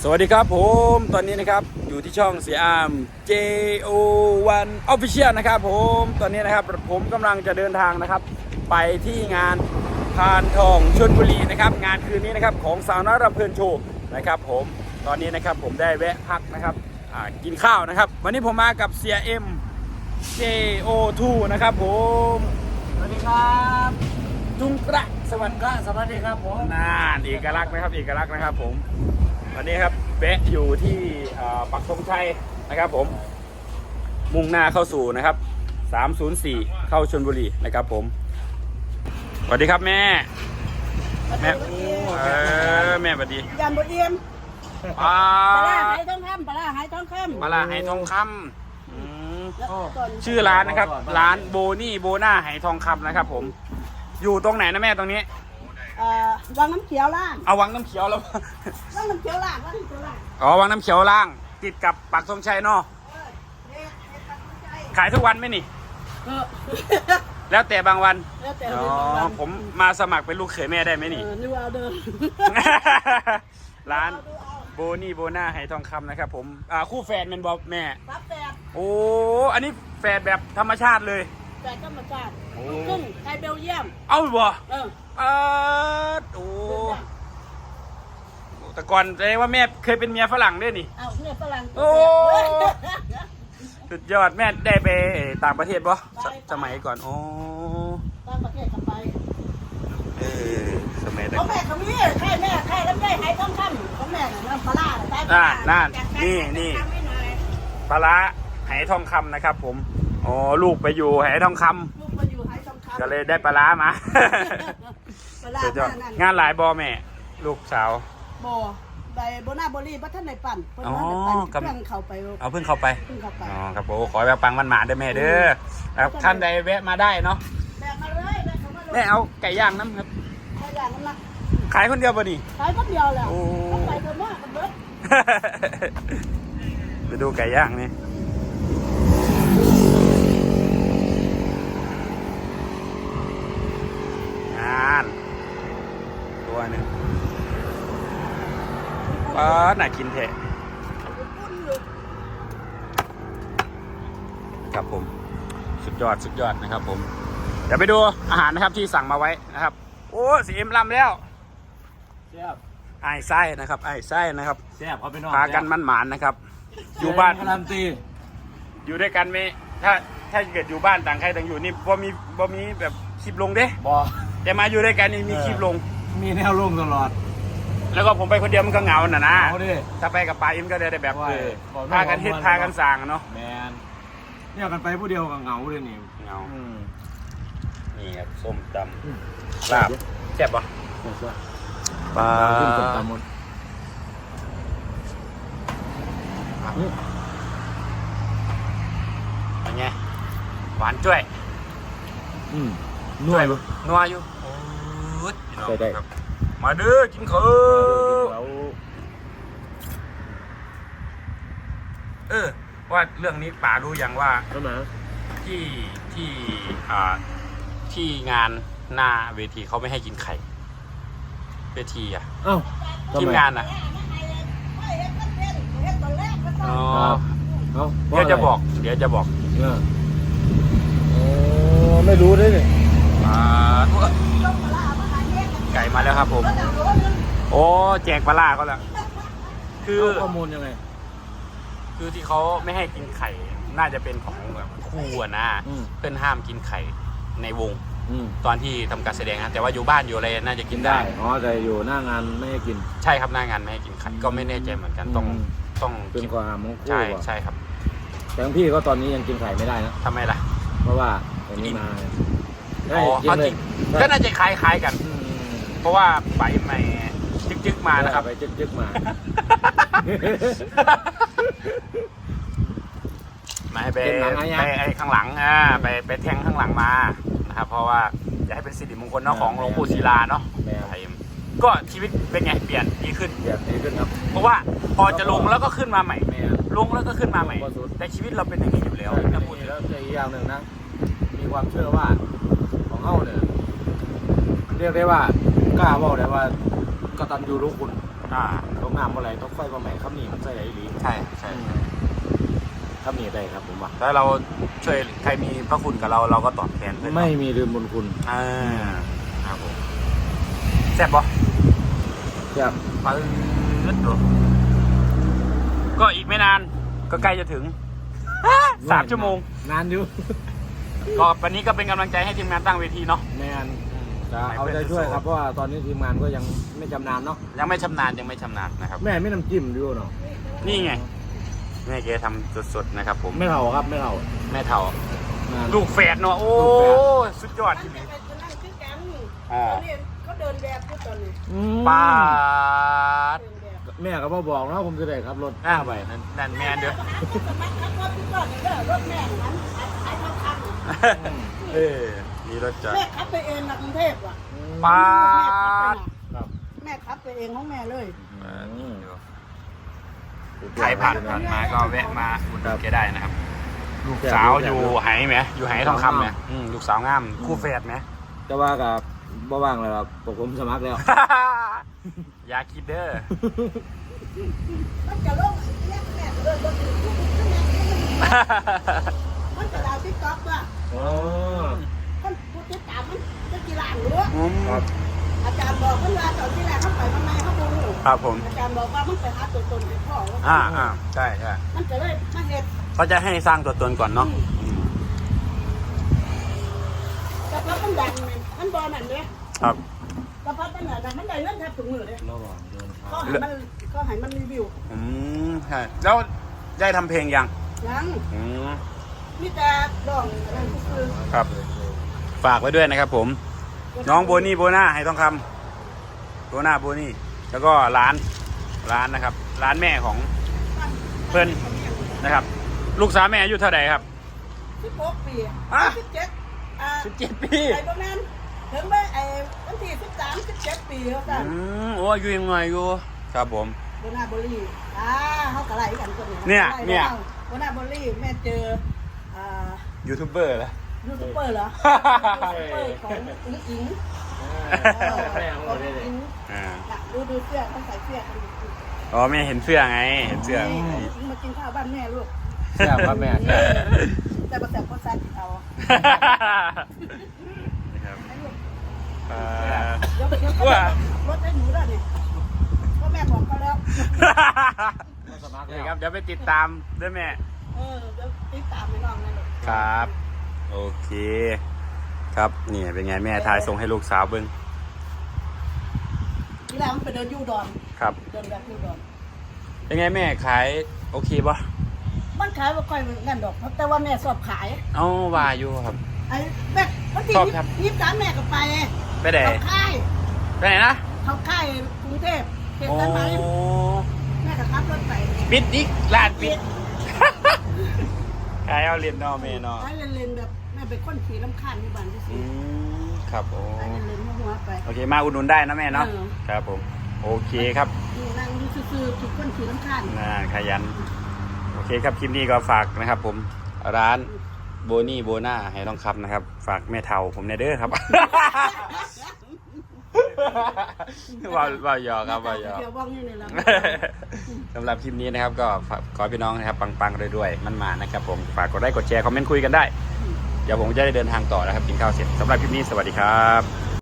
สวัสดีครับผมตอนนี้นะครับอยู่ที่ช่องเสียอาม JO1 Official นะครับผมตอนนี้นะครับผมกำลังจะเดินทางนะครับไปที่งานพานทองชลบุรีนะครับงานคืนนี้นะครับของสาวน้อยรำเพลินโชว์นะครับผมตอนนี้นะครับผมได้แวะพักนะครับกินข้าวนะครับวันนี้ผมมากับเสียเอ็ม JO2 นะครับผมสวัสดีครับจุงกระสวัสดีครับผมน่าเอกลักษณ์นะครับเอกลักษณ์นะครับผมวันนี้ครับแวะอยู่ที่ปักธงชัยนะครับผมมุ่งหน้าเข้าสู่นะครับ304เข้าชลบุรีนะครับผมสวัสดีครับแม่แม่แม่สวัสดียันบดเดียมปลาหายทองคำปลาหายทองคำปลาหายทองคำชื่อร้านนะครับร้านโบนี่โบน่าหายทองคำนะครับผมอยู่ตรงไหนนะแม่ตรงนี้วังน้ำเขียวล่างเอาวังน้ำเขียวแล้ววังน้ำเขียวล่างอ๋อวังน้ำเขียวล่างติดกับปักธงชัยเนาะขายทุกวันไหมนี่แล้วแต่บางวันอ๋อผมมาสมัครเป็นลูกเขยแม่ได้ไหมนี่ร้านโบนี่โบน่าไหทองคำนะครับผมคู่แฝดเป็นบอแม่โอ้อันนี้แฝดแบบธรรมชาติเลยแฝดธรรมชาติครึ่งไทยเบลเยียมเอาบ่โอ้แต่ก่อนแสดงว่าแม่เคยเป็นเมียฝรั่งด้วยนี่เมียฝรั่งโอ้สุดยอดแม่ได้ไปต่างประเทศบ่สมัยก่อนโอ้ต่างประเทศกันไปสมัยนั้นของแม่เขามีใช่แม่ใช่ลำไยหายทองคำของแม่น้ำปลานั่นนี่ปลาไหทองคำนะครับผมอ๋อลูกไปอยู่ไหทองคำลูกไปอยู่ไหทองคำก็เลยได้ปลามางานหลายบอแม่ลูกสาวบอใบโบนาโบลี่พัฒนาในปั่นเพิ่งเข้าไปเพิ่งเข้าไปอ๋อครับผมขอแบบปังมันหมาได้แม่เด้อครับท่านใดแวะมาได้เนาะแวะมาเลยแม่เอาไก่ย่างน้ำครับไก่ย่างน้ำนะขายคนเดียวป่ะนี่ขายคนเดียวแล้วไปเถอะมากกันเบิดไปดูไก่ย่างนี่ตัวหนึ่งน่ากินแท้ครับผมสุดยอดนะครับผมเดี๋ยวไปดูอาหารนะครับที่สั่งมาไว้นะครับโอ้สีเอ็มลำแล้วไอ้ไส้นะครับไอ้ไส้นะครับพากันมันหมานนะครับอยู่บ้านอยู่ด้วยกันไหมถ้าเกิดอยู่บ้านต่างใครต่างอยู่นี่บ่มีแบบคลิปลงเด้แต่มาอยู่ด้วยกันนี่มีคลิปลงมีแนวลงตลอดแล้วก็ผมไปคนเดียวมันก็เหงานะถ้าไปกับปาอิมก็ได้แบบพากันเฮ็ดพากันสั่งเนาะแมนเนี่ยกันไปผู้เดียวกับเหงาเลยนี่เหงานี่ครับส้มตำลาบแซ่บปะปลาส้มตำหมดเป็นไงหวานจ้วยนัวอยู่ได้มาเด้อกินข้าวว่าเรื่องนี้ป๋ารู้ยังว่าที่งานหน้าเวทีเขาไม่ให้กินไข่เวทีทีมงานเดี๋ยวจะบอกไม่รู้ด้วยเนี่ยไก่มาแล้วครับผมโอ้แจกปลาเขาแล้วคือข้อมูลยังไงคือที่เขาไม่ให้กินไข่น่าจะเป็นของแบบคู่นะเพื่อนห้ามกินไข่ในวงตอนที่ทำการแสดงนะแต่ว่าอยู่บ้านอยู่อะไรน่าจะกินได้อ๋อแต่อยู่หน้างานไม่ให้กินใช่ครับหน้างานไม่ให้กินไข่ก็ไม่แน่ใจเหมือนกันต้องเป็นความของคู่ใช่ครับแต่พี่ก็ตอนนี้ยังกินไข่ไม่ได้นะทำไมล่ะเพราะว่าตอนนี้มาก็น่าจะคล้ายกันเพราะว่าไปไม่จึกมานะครับไปจึกมาไม่ไปข้างหลังไปแทงข้างหลังมานะครับเพราะว่าจะให้เป็นสิริมงคลเนาะของหลวงปู่ศิลาเนาะก็ชีวิตเป็นไงเปลี่ยนดีขึ้นครับเพราะว่าพอจะลงแล้วก็ขึ้นมาใหม่ลงแล้วก็ขึ้นมาใหม่แต่ชีวิตเราเป็นอย่างนี้อยู่แล้วนะพูดแล้วใจอย่างหนึ่งนะมีความเชื่อว่าของเฮาเนี่ยเรียกได้ว่ากล้าบอกได้ว่ากตัญญูรู้คุณคตกน้ำอะไรตกไฟก็ไหม้ครับนี่มันใส่ไหนดีใช่ครับนี่ได้ครับผมว่าแล้วเราช่วยใครมีพระคุณกับเราก็ตอบแทนเพื่อนไม่มีลืมบุญคุณครับผมแซ่บปะครับปื๊ดดูก็อีกไม่นานก็ใกล้จะถึง 3 ชั่วโมงนานอยู่ก็วันนี้ก็เป็นกำลังใจให้ทีมงานตั้งเวทีเนาะแมนจะเอาใจช่วยครับเพราะว่าตอนนี้ทีมงานก็ยังไม่จำนานเนาะยังไม่ชำนาญนะครับแม่ไม่น้ำจิ้มด้วยเนาะนี่ไงแม่เกทำสดๆนะครับผมไม่เท่าครับไม่เท่าแม่เท่าแม่นลูกแฝดเนาะโอ้ลูกแฝดสุดยอดมันที่จะนี่ไปนั่งคือกันอ่าตอนนี้เขาเดินแบบอยู่ตอนนี้ปาดเดินแบบแม่ก็บอกเนาะผมจะได้ครับรถไปนั่นแม่เด้อสมัครขับรถที่ก่อนเด้อรถแม่นั้นขายทองคำเออมีรถจอดแม่ขับไปเองนะกรุงเทพอ่ะปาดแม่ขับไปเองของแม่เลยใครผ่านมาก็แวะมาอุดหนุนแกได้นะครับ ลูกสาวอยู่ไหไหมอยู่ไหทองคำไหมลูกสาวงามคู่แฝดไหมจะว่ากับบ่ว่างเลยครับผมสมัครแล้วอย่าคิดเด้อมันจะลงแยกแม่เดินรถถึงมันจะดาวติ๊กต็อกว่ะอ๋อคนผู้ติดตามมันจะกี่ล้านหรือครับอาจารย์บอกเพิ่นว่าตอนที่แรกเขาไปทำไมเขาบ่รู้ครับผมอาจารย์บอกว่ามันไปหาตัวตนของพ่อว่าใช่มันจะเลยมาเฮ็ดเขาจะให้สร้างตัวตนก่อนเนาะแต่พอมันดังนี่มันบ่นั่นเด้ครับแต่พอมันน่ะมันได้เงินแทบทุกมื้อเด้ระหว่างเดินทางก็ให้มันรีวิวใช่แล้วได้ทำเพลงยังยังอืมมีแต่ร้องอะไรคือครับ ฝากไว้ด้วยนะครับผม น้องโบนี่โบน่าให้ทองคำโบน่าโบนี่แล้วก็ร้านนะครับ ร้านแม่ของเพิ่นนะครับ ลูกสาวแม่อายุเท่าไหร่ครับ 16 ปีอ่ะ 17 17 ปีไอ้บ่แม่นถึงไปไอ้วันที่13 17 ปีเขาสั่นโอ้อายุยังไงอยู่ครับผมโบนาบรีเขากระไรกันคนเนี่ยโบนาบรีแม่เจอยูทูบเบอร์แล้วยูทูบเบอร์เหรอยูทูบเบอร์ของอิงอิงแม่เอาเลยอิงดูเสื้อต้องใส่เสื้อกันอ๋อแม่เห็นเสื้อไงเห็นเสื้ออิงมากินข้าวบ้านแม่ลูกแซ่บครับแม่แซ่บแต่ประแสบก็ซัดเอานะครับเดี๋ยวรถให้หนูด้วยนี่ก็แม่บอกเขาแล้วสมัครนี่แล้วครับเดี๋ยวไปติดตามด้วยแม่เดี๋ยวติดตามไปน้องนั่นเลยครับ โอเค ครับนี่เป็นไงแม่ทายส่งให้ลูกสาวเบิ้งทีแรกมันไปเดินยูดอนครับเดินแบบยูดอนเป็นไงแม่ขายโอเคปะมันขายว่าค่อยเงินดอก แต่ว่าแม่สอบขายเอ้าว่าอยู่ครับไอ้แม่วันที่ชอบครับ 23แม่ก็ไปไปไหนเขาค่ายไปไหนนะเขาค่ายกรุงเทพเขตโอ้สายไหมแม่ก็ขับรถไปปิดอีกร้านปิดขายเอาเรียนนอเมนอไปเล่นๆแบบแม่เป็นคนขี่ลำคาญที่บ้านที่สุดครับโอ้ไปเล่นๆหัวๆไปโอเคมาอุดหนุนได้นะแม่เนาะเออครับผมโอเคครับนั่งดูซื่อๆถูกคนขี่ลำคาญขยันโอเคครับคลิปนี้ก็ฝากนะครับผมร้านโบนี่โบน่าให้ทองคำนะครับ ฝากแม่เทาผมในเด้อครับ ว่าหยอกครับว่าหยอกเดี๋ยวว่างนี่เลยละสำหรับคลิปนี้นะครับก็ขอให้พี่น้องนะครับปังๆรวยๆมันมานะครับผมฝากกดไลค์กดแชร์คอมเมนต์คุยกันได้ เดี๋ยวผมจะได้เดินทางต่อนะครับกินข้าวเสร็จสำหรับคลิปนี้สวัสดีครับ